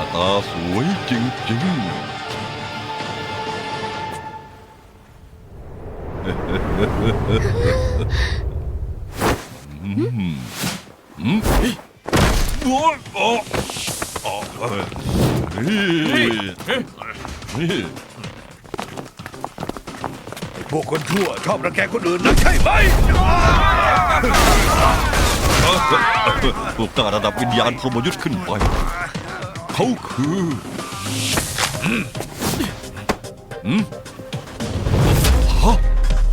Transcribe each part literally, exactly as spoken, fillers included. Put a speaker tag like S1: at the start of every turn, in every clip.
S1: ตาสวยจริงๆอืมอืมโอ้โอ้โอ้นี่นี่
S2: พวกคนชั่วชอบรังแกคนอื่นนักใช่ไหม
S1: พวกกล้าระดับวิญญาณพรหมยุทธ์ขึ้นไป เขาคืออืมอืมฮะ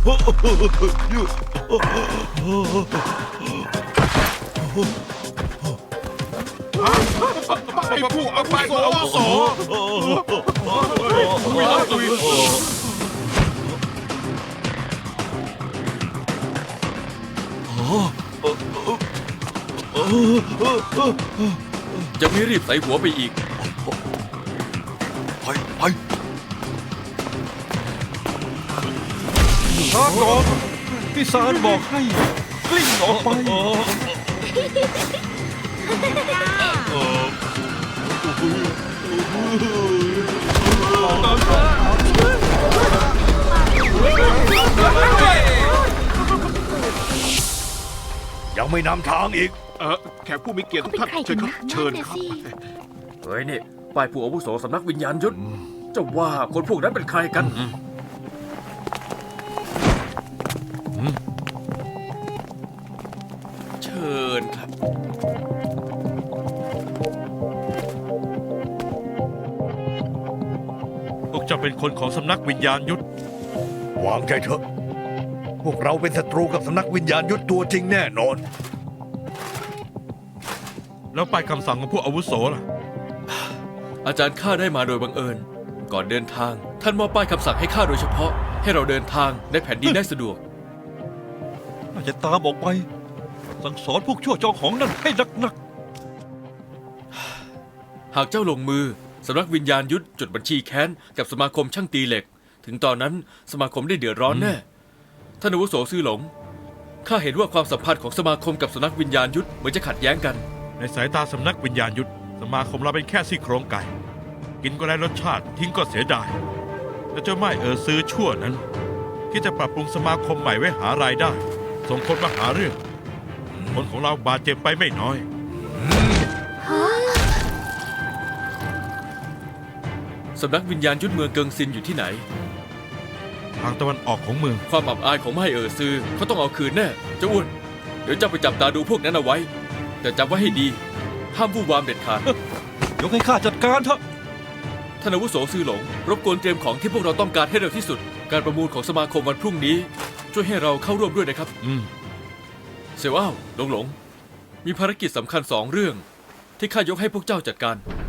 S3: ไอ้ผู้เอาไปอาวุโสคุยแล้วคุยจะไม่รีบใส่หัวไปอีก
S1: ไปไป
S2: ช้าก่อนพี่สารบอกให้กลิ้งออกไป ยังไม่นำทางอีก
S3: เออแขกผู้มีเกียรติทุกท่านเชิญครับเชิญครับ
S4: เฮ้ยนี่ป้ายผู้อาวุโสสำนักวิญญาณยุทธเจ้าว่าคนพวกนั้นเป็นใครกัน
S3: เชิญครับ
S5: พวกเจ้าเป็นคนของสำนักวิญญาณยุทธ
S2: วางใจเถอะ พวกเราเป็นศัตรูกับสำนักวิญญาณยุทธตัวจริงแน่นอน
S5: แล้วป้ายคำสั่งของผู้อาวุโสล่ะ
S4: อาจารย์ข้าได้มาโดยบังเอิญ ก่อนเดินทาง ท่านมอบป้ายคำสั่งให้ข้าโดยเฉพาะ ให้เราเดินทางในแผ่นดินได้สะดวก
S1: น่าจะตามออกไป สั่งสอนพวกชั่วจองของนั่นให้หนัก
S4: หากเจ้าลงมือสำนักวิญญาณยุทธจดบัญชีแค้นกับสมาคมช่างตีเหล็ก ถึงตอนนั้นสมาคมได้เดือดร้อนแน่ท่านอาวุโสซื่อหลงข้าเห็นว่าความสัมพันธ์ของสมาคมกับสำนักวิญญาณยุทธเหมือนจะขัดแย้งกัน
S5: ในสายตาสำนักวิญญาณยุทธสมาคมเราเป็นแค่ซี่โครงไก่ กินก็ได้รสชาติทิ้งก็เสียดายแต่เจ้าไม่เออซื้อชั่วนั้นคิดจะปรับปรุงสมาคมใหม่ไว้หารายได้ ส่งคนมาหาเรื่อง คนของเราบาดเจ็บไปไม่น้อย
S4: สำนักวิญญาณยุทธเมืองเกิงซินอยู่ที่ไหน
S5: ทางตะวันออกของเมือง
S4: ความอับอายของไม่เออซือเขาต้องเอาคืนแน่เจ้าอ้วนเดี๋ยวเจ้าไปจับตาดูพวกนั้นเอาไว้ แต่จำไว้ให้ดี ห้ามวู่วามเด็ดขาด
S1: ๆ ยกให้ข้าจัดการเถอะ
S4: ท่านอาวุโสซื่อหลง รบกวนเตรียมของที่พวกเราต้องการให้เร็วที่สุด การประมูลของสมาคมวันพรุ่งนี้ ช่วยให้เราเข้าร่วมด้วยนะครับ
S5: อืม
S4: เสี่ยวอ้าวหลงหลง มีภารกิจสำคัญสองเรื่อง ที่ข้ายกให้พวกเจ้าจัดการ